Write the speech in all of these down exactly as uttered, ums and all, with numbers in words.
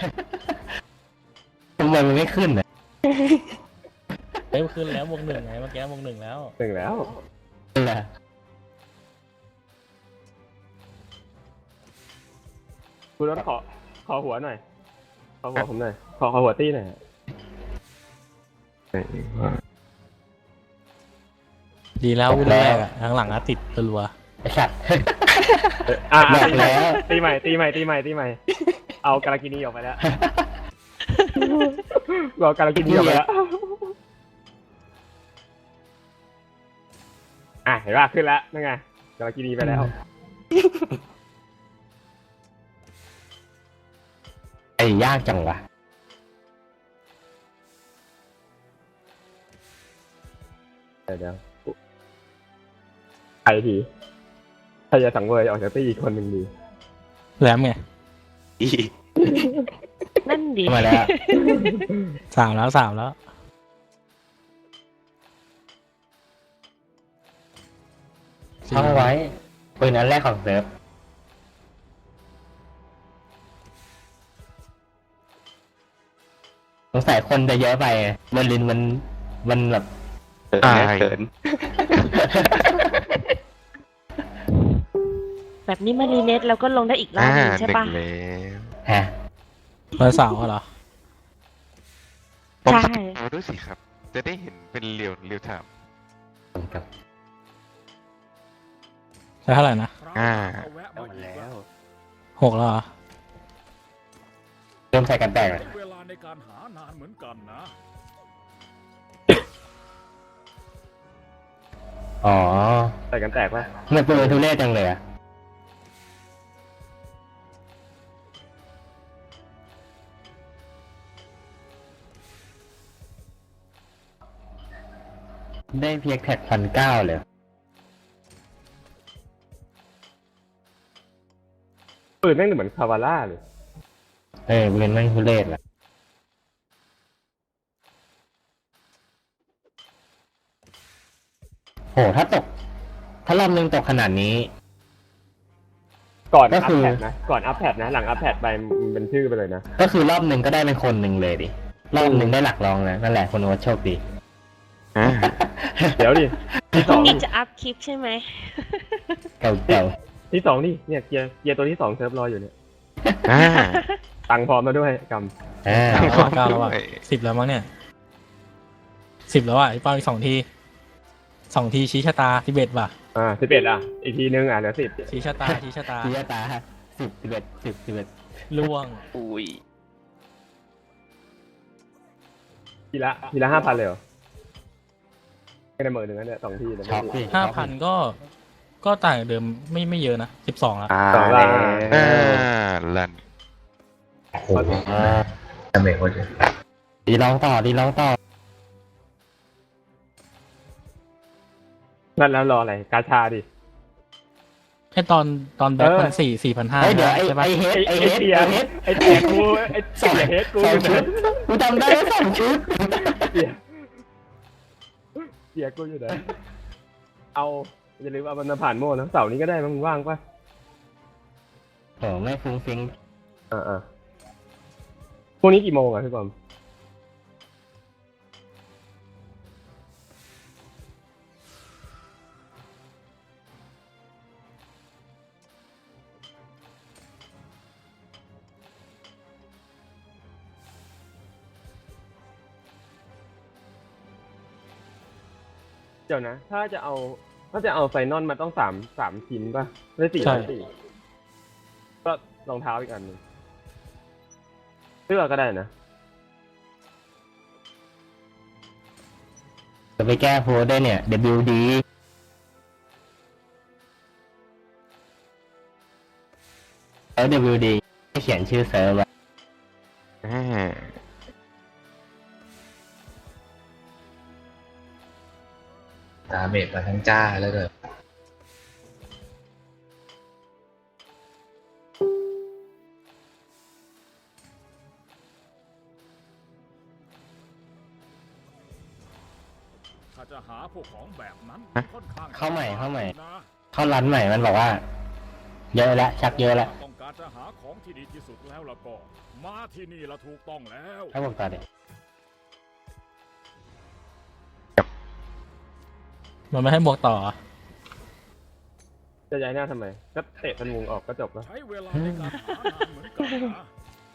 ทำไมมันไม่ขึ้นอ่ะเฮ้ยขึ้นแล้ววงหนึ่งไงเมื่อกี้วงหนึ่งแล้วถึงแล้วนั่นแหละคุณรถขอขอหัวหน่อยขอหัวผมหน่อยขอขอหัวตี้หน่อยดีแล้ววิ่งแรกอะทางหลังอะติดรัวไอ้สัตว์อ่ะบอกแล้วตีใหม่ตีใหม่ตีใหม่ตีใหม่เอาการากินีออกไปแล้วเอาการากินีออกไปแล้วอ่ะเห็นป่ะขึ้นแล้วนั่นไงการากินีไปแล้วไอ้ยากจังวะเดี๋ยวเดี๋ยวใครทีใครจะสังเวยออกจากตีอีกคนหนึ่งดีๆแหลมไงนั่นดิมาแล้วสามแล้วสามแล้วท่องไว้ปืนอันแรกของเซิร์ฟสงสัยคนจะเยอะไปเบอร์ลินมันมันแบบตายเกินแบบนี้มารีเน็ตแล้วก็ลงได้อีกรอบอ่าหนึงหใช่นึ่งปะแล้วฮะวันเสาร์เหรอผมใช่เอาด้วยสิครับ จะได้เห็นเป็นเรียวเรียวไทม์กับใช่เท่าไหร่นะอ่าหมดแล้วหกแล้วเหรอเริ่มใส่กันแตกเลยเวลาในการหานานเหมือนกันนะอ๋อใส่กันแตกป่ะมันปืนทุเรศจังเลยอะได้เพียงแท็กพันเก้าเลยปืนแม่งเหมือนคาวาร่าเลยเออปืนแม่งทุเรศแหละโหถ้าตก ถ้ารอบนึงตกขนาดนี้ก่อนก็อัพคือแพดนะก่อนอัพแพดนะหลังอัพแพดไปมันเป็นชื่อไปเลยนะก็คือรอบหนึ่งก็ได้เป็นคนหนึ่งเลยดิ รอบหนึ่งได้หลักรองนะนั่นแหละคนโอ๊ตโชคดีอ่าเดี๋ยวดิที่พสรุ่อง งนี้จะอัพคลิปใช่ไหมเก่าเก่าที่สองนี่เนี่ยเกียร์เกียร์ตัวที่สองเซิร์ฟรออยู่เนี่ยอ่าตังค์พร้อมมาด้วยกๆอ่าเก้าแล้วเก้าแล้วอ่ะโอ้ยสิบแล้วมั้งเนี่ยสิบแล้วอ่ะไอ้เป้าอีกสองทีสองทีชี้ชะตาทิเบตว่ะำอ่าสิบเอ็ดอ่ะอีกทีนึงอ่ะเหลือสิบชี้ชะตาชี้ชะตาทีตาสิบสิบเอ็ดสิบสิบเอ็ดล่วงอุ้ยทีละทีละห้าพันเลยเหรอไม่ได้หมื่นหนึ่งนะเนี่ยสองทีเลยช็อกดิห้าพันก็ ก็ต่างจากเดิมไม่ไม่เยอะนะสิบสองแล้วอ่าสองล้านอ่าลันโอ้โหดาเมจโคตรเยอะดีลองต่อดีลองต่อนั่นแล้วรออะไรกาชาดิไอตอนตอนแบ็คเออมันสี่สี่พันห้าเฮ้ยเดี๋ยวไอ้ใช่ปะไอ้เฮดไอ้ไอ้ไอ้เฮดเตียไอ้เฮดไอ้เตียกูไอ้เตียเฮดกูสองชุดกูจำได้สองชุดเตียเตียกูอยู่ไหนเอาอย่าลืมเอามันมาผ่านโม่นะเสาร์นี้ก็ได้มั้งว่างป่ะโอ้ไม่ฟุ้งฟิ้งอ่าอ่าพรุ่งนี้กี่โมงอ่ะพี่บอมเดี๋ยวนะ ถ้าจะเอาถ้าจะเอาไฟนอลมันต้องสามสามชิ้นป่ะไม่สี่ไม่สี่ก็รองเท้าอีกอันหนึงเสื้อก็ได้นะจะไปแก้โพสได้เนี่ย ดับเบิลยู ดี แล้ว ดับเบิลยู ดี ให้เขียนชื่อเซิร์ฟไว้อ่าดาเมจมาทั้งจ้าแล้วเกิดถ้าจะหาพวกของแบบนั้นค่อนข้างเข้าใหม่เข้าใหม่นะเข้าร้านใหม่มันบอกว่า เยอะแล้วชักเยอะแล้วต้องการจะหาของที่ดีที่สุดแล้วล่ะก็ มาที่นี่ละถูกต้องแล้วให้ผมต่อเด็กมันไม่ให้บวกต่อจะย้ายหน้าทำไม ก็เตะธนูออกก็จบแล้วใช้เวลาในการหานานเหมือนกันนะ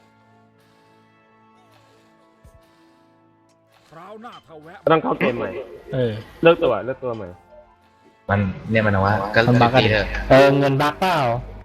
คราวหน้าถ้าแวะก็ต้องเข้าเกมใหม่เออเลือกตัวเลือกตัวใหม่มันเนี่ยมันว่าก็มันบั๊กกันตีเถอะเออเงินบักเปล่า